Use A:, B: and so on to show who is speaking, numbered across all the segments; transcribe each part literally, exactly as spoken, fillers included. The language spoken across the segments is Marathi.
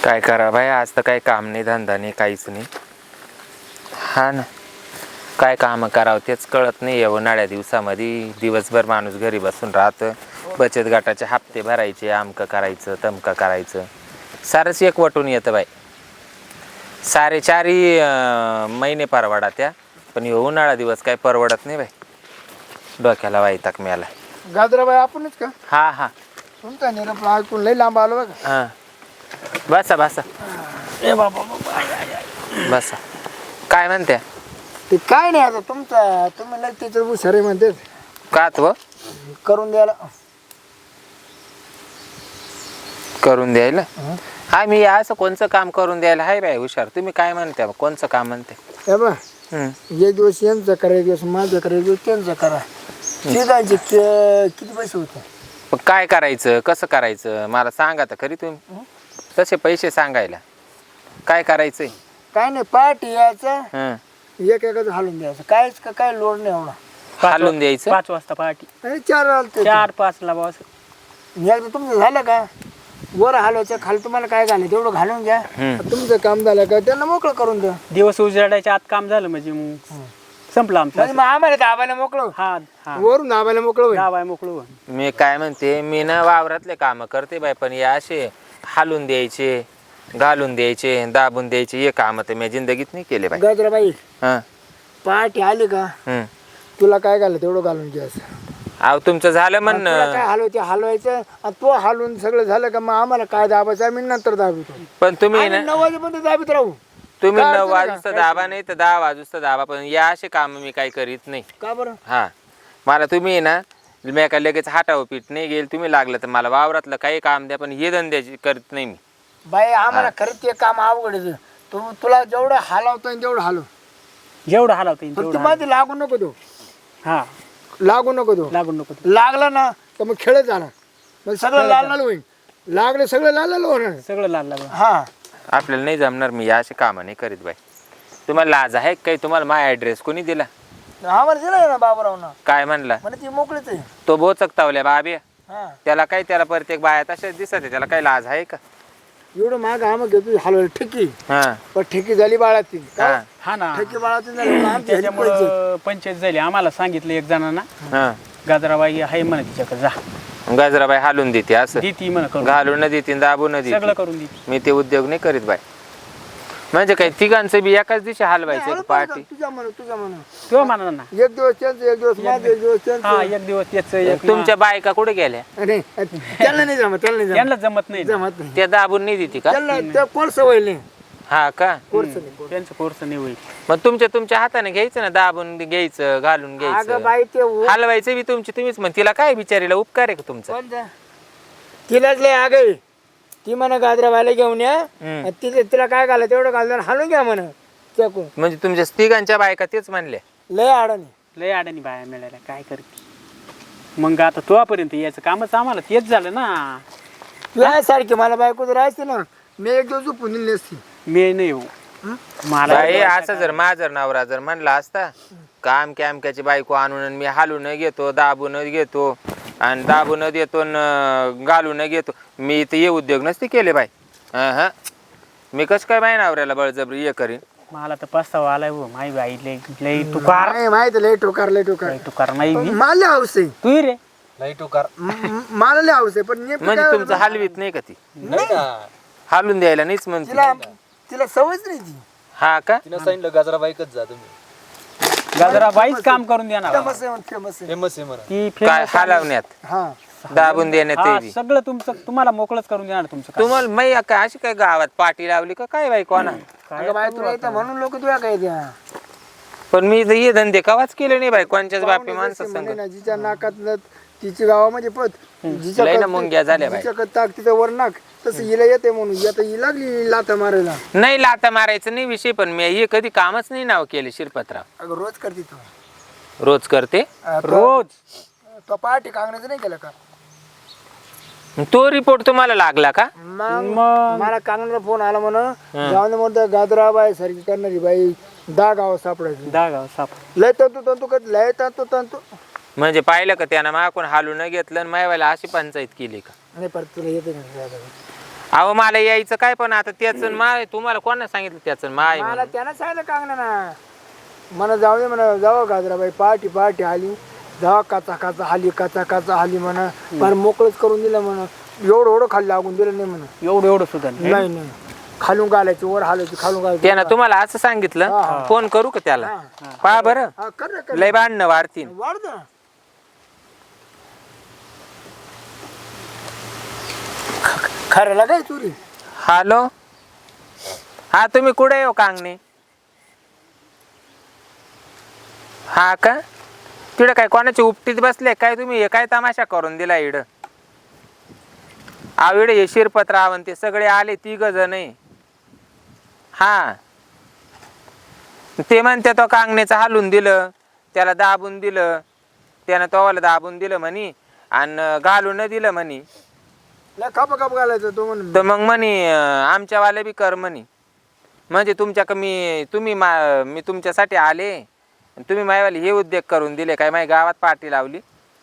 A: काय करा भाई, आज तर काही काम नाही, धंदा नाही, काहीच नाही. हा ना, काय काम करावं तेच कळत नाही. या उन्हाळ्या दिवसामध्ये दिवसभर माणूस घरी बसून राहतं. बचत गटाचे हप्ते भरायचे, आमकं करायचं, तमकं करायचं, सारंच एक वटून येतं बाई. सारे चारही महिने परवडा त्या, पण हे उन्हाळा दिवस काय परवडत नाही बाई. डोक्याला वैताग मिळाला.
B: गाजराबाई आपणच का?
A: हा हा,
B: तुमचा निरोप ऐकून लई लांब आलो बघा.
A: हा, बसा बसा
B: ए बाबा
A: बसा. काय म्हणते?
B: ते काय नाही आता तुमचा, तुम्ही लई त्याच्यात हुशार म्हणते
A: का तो
B: करून द्यायला.
A: करून द्यायला? हा, मी असं कोणचं काम करून द्यायला आहे बाई हुशार. तुम्ही काय म्हणते? कोणचं काम म्हणते?
B: हे बा,
A: हम्म.
B: एक दिवस यांचं करा, एक दिवस माझं करा, एक दिवस त्यांचं करा. शेजारचे किती पैसे होते?
A: पण काय करायचं, कसं करायचं मला सांगा तर खरी तुम्ही. तसे पैसे सांगायला काय करायचंय?
B: काय नाही, पार्टी यायचं,
A: हं.
B: एक एकच हालून द्यायचं. कायच का काय लोड नाही एवढा.
A: हालून द्यायचं.
C: पाच वाजता पार्टी,
B: आणि चार आलते
C: चार पाच ला बॉस.
B: एकदा तुमचं झालं का वर हलवायचं, खाली तुम्हाला काय घालायचं तेवढं घालून घ्या.
A: हम्म.
B: तुमचं काम झालं का त्यांना मोकळं करून द्या.
C: दिवस उजाडायच्या आत काम झालं म्हणजे मग संपलं आमचं.
B: म्हणजे मग आम्हाला दाबायला मोकळं,
C: हा हा,
B: वरून दाबायला मोकळं होईल.
C: गावाय मोकळू.
A: मी काय म्हणते, मी ना वावरातले काम करते बाई, पण या असे हालून द्यायचे, घालून द्यायचे, दाबून द्यायचे, हे काम तर मी जिंदगीत नाही केले बाई.
B: गजराबाई
A: हा.
B: पार्टी आली का
A: हम्म.
B: तुला काय घालं तेवढं घालून घ्यायचं.
A: अहो तुमचं झालं
B: तुला
A: म्हणणं.
B: काय हलवायचं हलवायचं, आणि तो हलवून सगळं झालं का मग आम्हाला काय दाबायचं आम्ही नंतर दाबितो.
A: पण तुम्ही
B: आम्ही
A: ना,
B: नऊ वाजेपर्यंत दाबीत राहू.
A: तुम्ही
B: काय
A: नऊ
B: अडचण आहे
A: वाजता
B: का?
A: दाबा नाही तर दहा वाजता दाबा, पण या असे काम मी काही करीत नाही.
B: का बरं?
A: हा, मला तुम्ही ना, मी काय लगेच हाटाव पीठ नाही गेल. तुम्ही लागलं तर मला वावरातलं काही काम द्या, पण हे धंद्याची करत नाही मी.
B: बाई आम्हाला खरंच ते काम अवघड आहे. तू तुला जेवढं हलवतो तेवढं हलव,
C: जेवढं हलवता येईल
B: पण तू
C: तेवढं
B: मध्ये लागू नको देऊ,
C: हा,
B: लागू नको देऊ.
C: लागून नको.
B: लागला ना तर मग खेळत जाणार, मग सगळं लाल लाल होईल. लागलं सगळं लाल लाल होणार.
C: सगळं लाल लागलं.
B: हा,
A: आपल्याला नाही जमणार, मी या असे कामं नाही करीत बाई. तुम्हाला लाज आहे काही? तुम्हाला माझा ॲड्रेस कोणी दिला?
B: आम्हाला दिलं ना बाबूरावनं,
A: काय म्हणला?
B: म्हणे ती मोकळीच आहे.
A: तो बोचक तावल्या बाबे,
B: हा,
A: त्याला काय, त्याला प्रत्येक बाया तशाच दिसत आहे, त्याला काही लाज आहे का?
B: एवढं माग आम्हाला घेतो हलवायला ठेकी,
A: हा
B: पण ठेकी झाली बाळाची.
A: हा
C: हा ना,
B: ठेकी बाळाची झाली मग आमची ह्याची पैसे.
C: त्याच्यामुळं पंचायत झाली. आम्हाला सांगितलं एक जणांना,
A: हा.
C: गाजराबाई आहे म्हणे तिच्याकडे जा,
A: गजराबाई हालून देते असं,
C: देती म्हणे करून,
A: घालून न देते, दाबून न
C: सगळं
A: देते.
C: करून देती.
A: मी ते उद्योग नाही करीत बाई. म्हणजे काय तिघांचं बी एकाच दिवशी हलवायचं
B: हळू
A: पार्टी?
B: तुझ्या म्हणून तुझ्या म्हणून
C: तो म्हणा ना,
B: एक दिवस त्यांचं, एक दिवस माझं, एक दिवस
C: हा,
B: त्यांचं.
C: एक दिवस त्याच, एक
A: तुमच्या बायका कुठे गेल्या?
B: अरे त्यांना नाही जमत, त्यांना नाही जमत,
C: त्यांना जमत नाही ना.
B: जमत नाही
A: त्या दाबून नाही देते का?
B: त्यांना त्या कोर्स होईल नाही,
A: हा का?
B: कोर्स नाही.
C: त्यांचं कोर्स नाही होईल.
A: मग तुमच्या तुमच्या हाताने घ्यायचं ना, दाबून घ्यायचं, घालून
B: अगं
A: घ्यायचं,
B: बाई ते उ-
A: हलवायचं बी तुमची तुम्हीच. मग तिला काय बिचारीला उपकार आहे का तुमचा?
B: कोणतं? तिलाच लय आग आहे. ती म्हणा गाजराबाईला घेऊन या,
A: हम्म.
B: आणि तिथे तिला काय घाला तेवढं घालून हालून घ्या म्हणा. त्याकून
A: म्हणजे तुमच्या तिघांच्या बायका तेच म्हणल्या?
B: लय अडाणी.
C: लय अडाणी बाया मिळाल्या, काय करते मग आता तोपर्यंत याचं कामच आम्हाला तेच झालं ना.
B: तुला सारखी मला बायको जर राहायची ना, मी एक दिवस झोपून दिली नसती.
C: मी नाही हो, मला
A: बाई असं जर माझा नवरा जर म्हणला असता काम कॅमक्याची बायको आणून आणि मी हालून घेतो, दाबून घेतो आणि दाबून देतो न घालून घेतो, मी तर हे उद्योग नसते केले बाई. हा हा, मी कसं काय बाई नवऱ्याला बळजबरी हे करीन?
C: मला तर पस्तावा आलाय हो, माही बाई लय लय तुकार,
B: नाही माहिती लय टोकार, लय टोकार.
C: लय तुकार नाही मी.
B: मला लय हौस आहे,
C: तू रे
B: म- म- मला लय हौस आहे, पण नेमकं
A: म्हणजे
B: काय
A: तुमचं
B: होतं?
A: हलवीत नाही का ती? हालून द्यायला नाहीच म्हणते.
B: तिला तिला सवयच नाही ती.
A: हा का?
D: तिनं सांगितलं गाजराबाईकच जा तुम्ही,
C: गाजरा बाईच काम करून देणार.
B: फेमस आहे, फेमस आहे.
D: फेमस आहे म्हणा.
C: ती
A: काय
C: famous आहे.
A: हलवण्यात,
B: हा,
A: दाबून देण्यात ते
C: हा,
A: बी?
C: सगळं तुमचं तुम्हाला मोकळच करून देणार तुमचं काम.
A: तुम्हाला मै काय अशी काय गावात पाठी लावली का काय बाई कोणा?
C: काय
B: अगं बाई तुला येतं म्हणून लोक तुला काय द्या.
A: पण मी तर हे धंदे कवाच केले नाही बाई, कोणच्याच बापी
B: पाहुणे
A: माणसं
B: जसे म्हणे
A: संग.
B: ना, जिच्या नाकात न- तिची गावामध्ये पत,
A: लय ना मुंग्या झाल्या बाई.
B: जिच्या ताक तिचं वर नाक, तसं हिला येते म्हणून आता ही लागली लाता मारायला.
A: नाही लाता मारायचं नाही विषय, पण मी हे कधी कामच नाही नाव केले शिरपतराव.
B: अगं रोज करते तू.
A: रोज करते.
B: अं, तो-
C: रोज
B: तो पाठी कांगण्याचं नाही केलं का?
A: तो रिपोर्ट तुम्हाला लागला का?
B: मग
C: मग
B: मला कांगण्याचा फोन आला म्हणून जाऊन म्हणतो गाजराबाई सारखी करणारी बाई दहा गाव सापडायची.
C: दागाव साप.
B: लय तंतू तंतू करत लय तंतू तंतू.
A: म्हणजे पाहिलं का त्यानं मागून हालून घेतलं आणि मायवाला अशी पंचायत केली का?
B: नाही परत तुला येते ना.
A: अहो मला यायचं काय पण आता त्याच माय तुम्हाला कोणा सांगितलं त्याच माय
B: मला
A: म्हणून?
B: त्यानं सांगितलं कांगणा ना म्हणा जाऊ दे म्हणा जावं गाजराबाई पहाटी पहाटी आली जावा काचा काचा हाली काचा काचा हाली म्हणा पण मोकळच करून दिलं म्हणा एवढं एवढं खाली लागून दिलं नाही म्हणा
C: एवढं एवढं सुद्धा नाही.
B: नाही नाही खालून घालायची वर हालायची खालून घालायची
A: त्यानं तुम्हाला असं सांगितलं फोन करू का त्याला पहा बरं
B: हा कर ना कर
A: लय भांडणं वाढतील
B: वाढ ना खरं काय चोरी
A: हॅलो हा तुम्ही कुठे हो कांगणे हा का तिकडं काय कोणाची उपटीत बसले काय तुम्ही हे काय तमाशा करून दिला इड आविड हे शिरपत रावण ते सगळे आले तिघ जण हा ते म्हणते तो कांगण्याचं हालून दिलं त्याला दाबून दिलं त्यानं तोवाला दाबून दिलं म्हणी आणि घालून न दिलं म्हणी
B: लय काप काप घालायचं तो म्हणून
A: तर मग म्हणी आमच्यावाले बी कर म्हणी म्हणजे तुमच्या कमी तुम्ही मा मी तुमच्यासाठी आले आणि तुम्ही मायवाले हे उद्योग करून दिले काय माझ्या गावात पार्टी लावली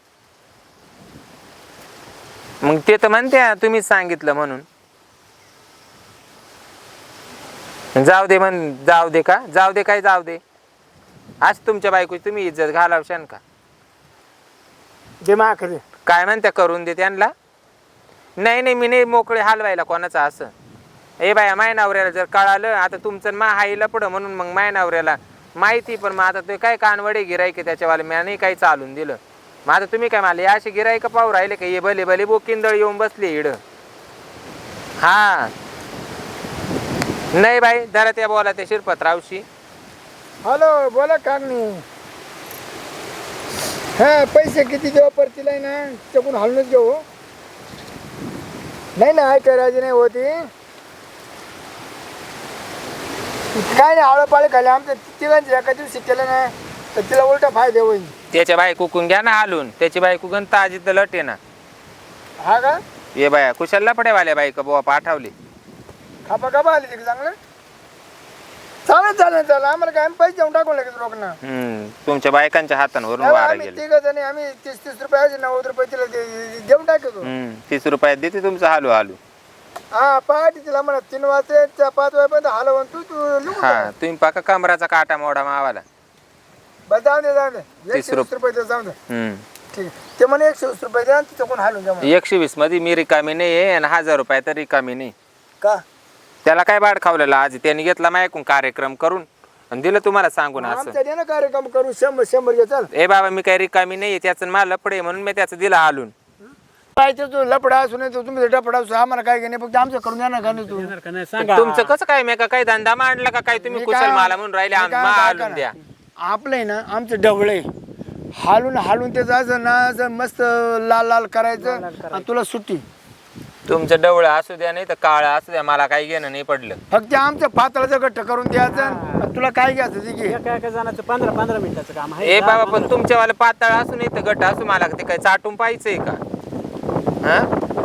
A: मग ते तर म्हणते तुम्हीच सांगितलं म्हणून जाऊ दे म्हण जाऊ दे का जाऊ दे काय जाऊ दे आज तुमच्या बायकोची तुम्ही इज्जत घालावशान का
B: दे माकडे
A: काय म्हणत्या करून दे त्यांना नाही नाही मी नाही मोकळे हलवायला कोणाचं असं ए बाया माय नवऱ्याला जर कळालं आता तुमचं मा हाईला पुढं म्हणून मग माय नवऱ्याला माहिती पण मग आता ते काय कानवडे गिरायके त्याच्यावाले मी नाही काही चालून दिलं मग आता तुम्ही काय मला असे गिरायक पाहू राहिले का ये भले भले बोकिंदळ येऊन बसले इड हा नाही बाई जरा त्या बोला त्या शिरपतरावशी
B: हॅलो बोला कागणी हा पैसे किती देऊ परतीला आहे ना चकून हालूनच घेऊ नाही ना ऐका राजी नाही होती काय नाही आळपाळे खाली आमच्या तिघांचे एका दिवशी केलं ना तर तिला उलटा फायदा होईल
A: त्याच्या बाई कुकून घ्या ना हालून त्याची बाई कुकून ताजी तर लटे ना
B: हा का
A: ये बाया कुशाला पडेवाल्या बाई का बुवा पाठवली
B: खापा खापा आली तिकडे चांगलं चालेल चालेल चालेल आम्हाला काय आम्ही पैसे देऊन टाकून लगेच लोकांना
A: हम्म तुमच्या बायकांच्या हातांवरून वारा
B: आम्ही
A: गेले
B: तिघ जणी आम्ही तीस तीस रुपये नव्वद रुपये तिला दे- दे- देऊन टाकतो
A: हम्म तीस रुपयात देते तुमचं हालू हालू
B: हा पहाटे तिला म्हणा तीन वाजते त्या पाच वाजेपर्यंत हलवून तू तू लिहून
A: हा तुम्ही पाका कमराचा काटा मोडा मावाला
B: बस जाऊ दे जाऊ दे
A: तीस
B: एकशे वीस रुपये दे, जाऊ दे
A: हम्म
B: ठीक आहे ते म्हणे एकशे वीस रुपये द्या तिथं कोण हालून द्या म्हणे.
A: एकशे वीस मध्ये मी रिकामी नाही आहे आणि हजार रुपये तर रिकामी नाही
B: का
A: त्याला काय बाड खावलेलं आज त्यांनी घेतला मायकून कार्यक्रम करून आणि दिलं तुम्हाला सांगून असं
B: आमच्या दे ना कार्यक्रम करू शंभर शंभर घे चल
A: ए बाबा मी काही रिकामी नाही त्याचं मला लपडे म्हणून मी त्याचं दिलं हालून
B: पाहिजे तू लपडा असू नाही तुम्ही डपडा असू आम्हाला काय घेणे फक्त आमचं करून द्या ना का नाही तू
C: येणार का नाही सांगा
A: तुमचं कसं काय मी का काही धंदा मांडला का काय तुम्ही
B: मी
A: कुशल
B: काय-
A: मला म्हणून राहिले
B: मी
A: आम-
B: काय
A: मा
B: म्हणतो
A: हालून
B: ऐका
A: द्या
B: ना, आपलं आहे ना आमचं ढवळे हालून हालून ते जायचं ना असं मस्त लाल लाल करायचं आणि तुला सुट्टी
A: तुमचं डवळं असू द्या नाही तर काळं असू द्या मला काही घेणं नाही पडलं
B: फक्त आमचं पातळाचं गट्ट करून द्यायचं आणि तुला काय घ्यायचं ते घे
C: एका एका जणाचं पंधरा पंधरा मिनिटाचं काम आहे
A: ए बाबा पण तुमच्यावाला पातळ असू नाही तर गट असू मला ते काय चाटून पाहिजे का हा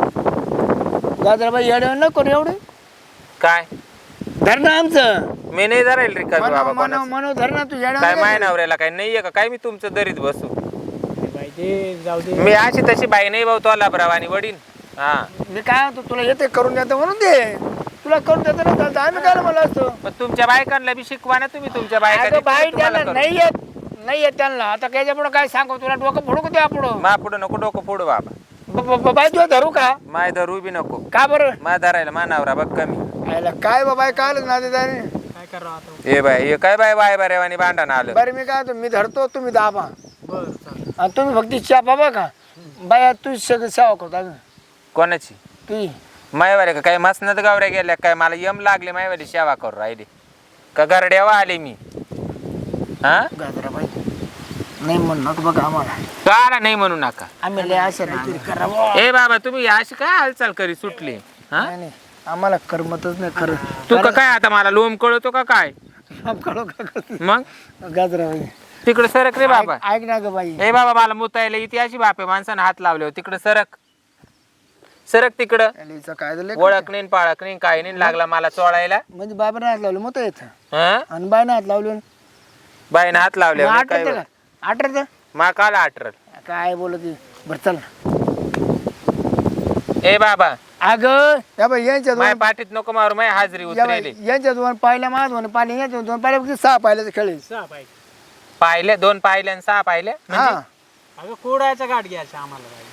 B: गाजराबाई येडे नको रे एवढे
A: काय
B: धर ना आमचं
A: मी नाही धरायला रिकामी बाबा
B: मनव
A: कोणाचं.
B: मनव धर ना तू येड्या
A: काय माय नवऱ्याला काय नाहीये का काय मी तुमचं दरीत बसू
C: पाहिजे जाऊ दे
A: मी अशी तशी बाई नाही भाऊ तो लाभरावानी वडीन हा
B: मी काय म्हणतो तुला येते करून देतो म्हणून दे तुला करून देतो ना चालतं आम्ही काय मला असतो
A: पण तुमच्या बायकांना बी शिकवा ना तुम्ही तुमच्या
B: अगं बाई
A: बायकांना
B: त्यांना
A: तुम्हाला
B: नाही येत नाही येत त्यांना आता त्याच्या पुढं काय सांगू तुला डोकं फोडू का त्या पुढं
A: मा पुढं नको डोकं फोडू बाबा
B: ब- ब- ब- बाई तुला धरू का
A: माय धरू बी नको
B: का बरं
A: मा धरायला मा नवरा बघ कमी
B: आयला काय बाबा काय ना ते
C: काय करावं आता
A: ए बाय हे काय बाय बाय बरेवानी भांडण आलं
B: बरं मी काय म्हणतो, मी धरतो तुम्ही दाबा
C: बरं चालेल
B: आणि तुम्ही फक्त च्या बाबा का बाया तू सगळं सेवा करतो अगं
A: कोणाची
B: तू
A: मायवाले का काय मसनत गावऱ्या गेल्या काय मला यम लागले मायवाली सेवा करू राहिली का गरड्यावा आले मी हा
B: गाजराबाई नाही म्हणणार बघा आम्हाला
A: काला नाही म्हणू नका
B: आम्ही लय आशा नाही करावं
A: ए बाबा तुम्ही अशी काय हालचाल करी सुटली हा
B: नाही नाही आम्हाला करमतच नाही खरं
A: तू का काय आता मला लोम कळतो का काय
B: कळो का कळतो
A: मग
B: गाजराबाई
A: तिकडे सरक रे बाबा
B: ऐक ना ग बाई
A: ए बाबा मला मुतायला इथे अशी बापे माणसानं हात लावले तिकडे सरक सरक तिकडं
B: अलीचं काय झालं
A: ओळख नाही पाळख नाही काय नाही लागला मला चोळायला
B: म्हणजे बाबाने हात लावलं मग येत
A: हा
B: आणि बायने हात लावलं
A: बाईनं हात लावले काय
B: आठरत का आठरत
A: मा काला आठरल
B: काय बोलत आहे? बरं चल
A: ए बाबा
B: अगं या बाई यांच्या
A: माझ्या
B: दोन
A: पाठीत नको मारू माझी हाजरी
B: या बाई,
A: उतरेली
B: यांच्या दोन पाहिल्या माझ दोन पाहिले यांच्या दोन पाहिल्या फक्त सहा पाहिल्याचं खेळ आहे.
C: सहा पाहिजे
A: पाहिले दोन पाहिले आणि सहा पाहिले
B: हा
C: अगं कोडायचा गाठ घ्यायचा आम्हाला बाई.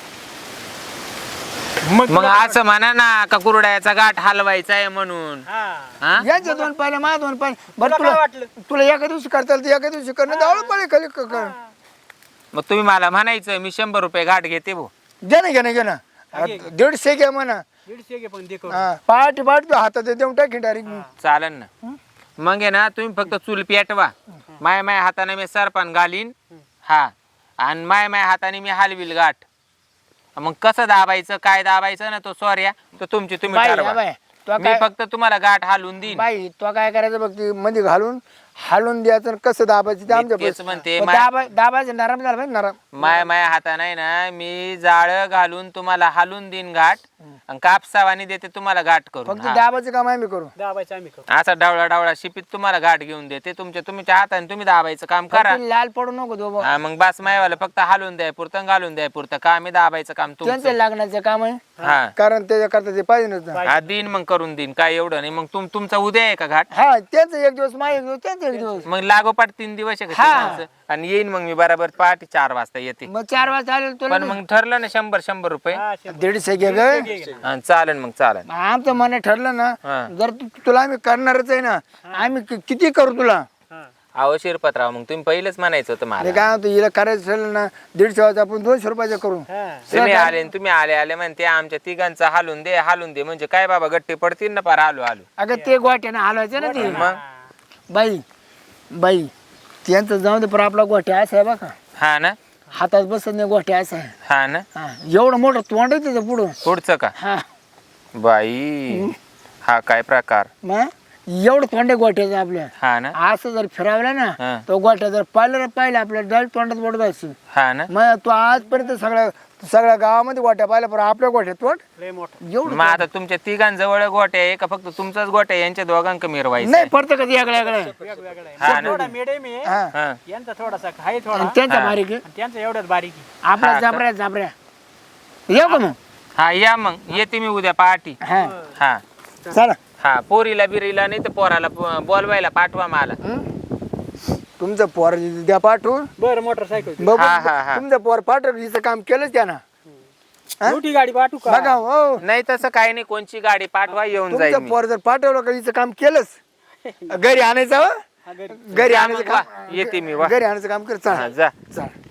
C: मग
A: मग असं म्हणा ना का कुरड्याचा गाठ हलवायचा आहे म्हणून
C: हा
A: हा
B: यांच्या दोन पाहिल्या माझ दोन पाहिले बरं
C: तुला काय
B: तुला
C: वाटलं?
B: तुला एका दिवशी करता आलं तर एका दिवशी करणं दावळ पाहिजे खाली क- कर
A: मग तुम्ही मला म्हणायचं मी शंभर रुपये गाठ घेते भो
B: घे ना घे ना घे ना
C: घे, घे.
B: दीडशे घ्या म्हणा
C: दीडशे घे पण दे करून.
B: हा, पहाटे पहाटे हातात देऊन टाकी डायरेक्ट
A: चालन ना मग आहे ना तुम्ही फक्त चूल पेटवा माय माय हाताने मी सरपान घालीन हा आणि माय माय हाताने मी हलविल गाठ मग कसं दाबायचं काय दाबायचं ना तो सॉर्या तो तुमची तुम्ही
B: बाई
A: ठरवा.
B: बाई तो
A: मी
B: काय
A: फक्त तुम्हाला गाठ हालून देईन
B: बाई तो काय करायचं बघ ती मध्ये घालून हालून द्यायचं आणि कसं दाबायचं ते
A: मी
B: आमच्या
A: तेच म्हणते,
B: पण
A: मा-
B: दाबा दाबायचं नरम झालं पाहिजे नरम
A: माय माय हाताने ना मी जाळ घालून तुम्हाला हालून देईन गाठ आणि कापसावानी देते तुम्हाला गाठ करून
B: फक्त
A: हा.
B: दाबायचं काम आम्ही करू
C: दाबायचं आम्ही करू
A: असा डावळा डावळा शिपीत तुम्हाला गाठ घेऊन देते तुमच्या तुमच्या हाताने तुम्ही दाबायचं काम करा
B: फक्त लाल पडू नको दो
A: हा, मग बास मायवाला फक्त हालून द्याय पुरतं घालून द्याय पुरतं का आम्ही दाबायचं काम
B: त्यांचं
A: तुमचं
B: लागण्याचं काम आहे
A: हा
B: कारण त्याच्या करता ते पाहिजे नसतं
A: हा देईन मग करून देईन काय एवढं नाही मग तुम तुमचा उद्या आहे का घाट
B: हा त्यांचं एक दिवस माझं एक दिवस त्यांचं एक दिवस
A: मग लागोपाठ तीन दिवस आहे का
B: हा.
A: तिघांचं? आणि येईन मग मी बरोबर पहाटे चार वाजता येते
B: मग चार वाजता आले तुला
A: पण मग ठरलं ना शंभर शंभर रुपये
C: हा, शंभर.
B: दीडशे घे ग
C: घे, घे.
A: हा, चालेल मग चालेल
B: आमचं मन ठरलं ना
A: हा.
B: जर तू- तुला आम्ही करणारच आहे ना आम्ही कि- किती करू तुला
C: हा.
A: अहो शिरपतराव मग तुम्ही पहिलेच म्हणायचं होतं
B: हे
A: मला
B: काय होतं हिला करायचं ठरलं ना दीडशे वाजता आपण दोनशे रुपयाचं करू
C: हा.
A: तुम्ही आले आणि तुम्ही आले आले म्हणते आमच्या तिघांचा हालून दे हालून दे म्हणजे काय बाबा गट्टे पडतील ना पार आलो आलो
B: अगं ते गोट्यानं हलवायचं ना ते
A: मग
B: बाई बाई त्यांचं जाऊ दे पण आपला गोठ्या असा आहे बघा
A: हा ना
B: हातात बसत नाही गोठ्या असा आहे
A: हा ना
B: हा, एवढं मोठं तोंड आहे त्याचं पुढं
A: पुढचं का
B: हा
A: बाई हा काय प्रकार
B: मग एवढं तोंड आहे गोठ्याचं आपल्या
A: हा ना
B: असं जर फिरावलं ना
A: हा.
B: तो गोठ्या जर पाहिलं ना पाहिलं आपल्या डायरेक्ट तोंडात बोट असेल
A: हा ना
B: मग तो आजपर्यंत सगळ्या सगळ्या गावामध्ये गोट्या पाहिल्या पण आपल्या गोठ्यात तोंड
C: लय मोठं
B: एवढं
A: मग आता तुमच्या तिघांजवळ गोट्या आहे का फक्त तुमचाच गोट्या आहे? यांच्या दोघांक मिरवायचं
B: नाही
A: आहे?
B: पडतं कधी याकडे याकडे
C: वेगवेगळं
A: हा
C: आहे
A: ना.
C: थोडा मिडियम आहे
B: हा
A: हा.
C: यांचा थोडासा आहे थोडा
B: आणि त्यांचा
A: हा.
B: बारीक आहे
C: आणि त्यांचा एवढ्याच बारीक आहे
B: आपल्या
A: हा का?
B: जाबऱ्या जाबऱ्या येऊ का मग
A: हा या मग येते मी उद्या पहाटी
B: हा
A: हा
B: चला
A: हा पोरीला बिरीला नाही तर पोराला प- बोलवायला पाठवा मला
B: हं? तुमचं पोर द्या पाठवून
C: बरं मोटरसायकल
B: बघ,
A: हा, हा, हा.
B: तुमचं पोर पाठव हिचं काम केलंच त्यानं हा?
C: मोठी गाडी पाठवू का
B: बघा हो
A: नाही तसं काही नाही कोणची गाडी पाठवा येऊन जाईल
B: तुमचं
A: मी.
B: पोर जर पाठवलं का हिचं काम केलंच घरी आणायचं हो?
C: हा, घरी.
B: घरी
A: हा,
B: आणायचं
A: मग वा.
B: काम
A: येते मी वा
B: घरी आणायचं काम कर
A: हा,
B: चला
A: जा
B: चला